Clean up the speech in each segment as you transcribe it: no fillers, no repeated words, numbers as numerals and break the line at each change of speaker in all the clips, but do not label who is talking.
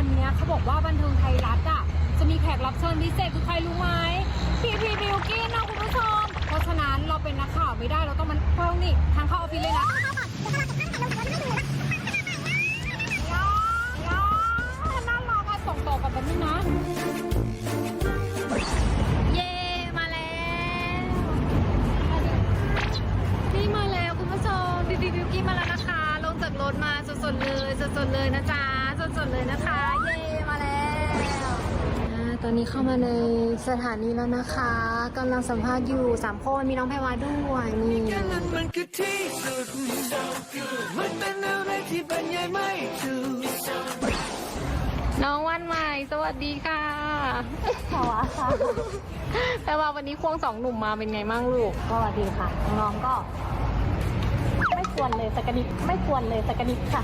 วันนี้เขาบอกว่าบันเทิงไทยรัฐอ่ะจะมีแขกรับเชิญพิเศษคือใครรู้ไหมพีบิวกิ้นนะคุณผู้ชมเพราะฉะนั้นเราเป็นนักข่าวไม่ได้เราต้องมันเข้านี่ทางเข้าออฟฟิศเลยนะน่ารักอะส่งต่อกันแบบนี้นะเย่มาแล้วนี่มาแล้วคุณผู้ชมพีบิวกิ้นมาแล้วนะคะลงจากรถมาสดๆเลยนะจ๊ะสดๆเลยนะคะเย่มาแล้วตอนนี้เข้ามาในสถานีแล้วนะคะกำลังสัมภาษณ์อยู่3 คนมีน้องแพรวาด้วยนี่มันคือที่สุดมันเป็นอะไรที่บรรยายไม่ถูกน้องวันใหม่สวัสดีค่ะแพรวาค่ะแพรวาวันนี้ควง2 หนุ่มมาเป็นไงมั่งลูกก็ดีค่ะน้องก็ไม่ควรเลยสักนิดค่ะ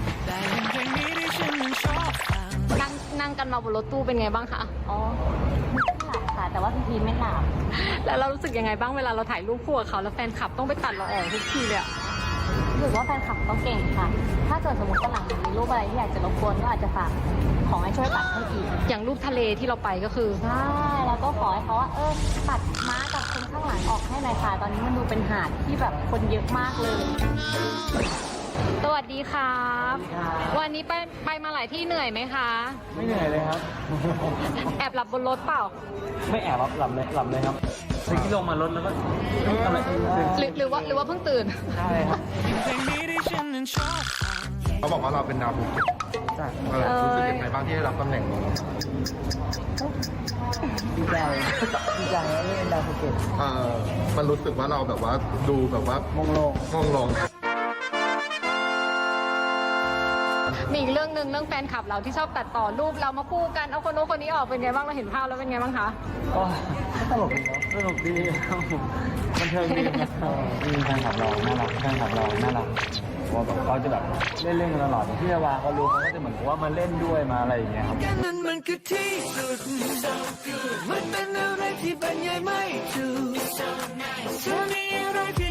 นั่งกันมาบนรถตู้เป็นไงบ้างคะอ๋อไม่หลับค่ะแต่ว่าพี่พีไม่หลับแล้วเรารู้สึกยังไงบ้างเวลาเราถ่ายรูปคู่กับเขาแล้วแฟนคลับต้องไปตัดเราออกทุกทีเลยอะรู้สึกว่าแฟนคลับต้องเก่งค่ะถ้าเกิดสมมติว่าหลังมีรูปอะไรที่อยากจะรบกวนก็อาจจะฝากขอให้ช่วยตัดให้อีกอย่างรูปทะเลที่เราไปก็คือใช่แล้วก็ขอให้เขาว่าตัดม้ากับคนข้างหลังออกให้หน่อยค่ะตอนนี้มันดูเป็นหาดที่แบบคนเยอะมากเลยสวัสดีครับวันนี้ไปมาหลายที่เหนื่อยไหมคะ
ไม่เหนื่อยเลยครับ
แอบหลับบนรถเปล่า
ไม่แอบหลับเลยครับเมื่อกี้ลงมารถแล้วก็อะไร
หรือว่าเพิ่งตื่น
ใช่ครับ
เขาบอกว่าเราเป็นดาวภูเก็ตรู้สึกยังไงบ้างที่ได้รับตำแหน่งนี้
ดีใจที่เป็นดาวภูเก็ต
มันรู้สึกว่าเราแบบว่าดูแบบว่ามองลง
มีอีกเรื่องหนึ่งเรื่องแฟนคลับเราที่ชอบตัดต่อรูปเรามาคู่กันเอาคนโน้นคนนี้ออกเป็นไงบ้างเราเห็นภาพแล้วเป็นไงบ้างคะ
ก็ตลกดีเนาะสนุกดีครับผมบันเทิงดีครับมีแฟนคลับเราน่ารักว่าแบบเขาจะแบบเล่นกันตลอดที่เวลาเขารู้เขาก็จะเหมือนกับว่ามาเล่นด้วยมาอะไรอย่างเงี้ยครับมันคือที่สุดมันเป็นอะไรที่บรรยายไม่ถูกเธอมีอะไรที่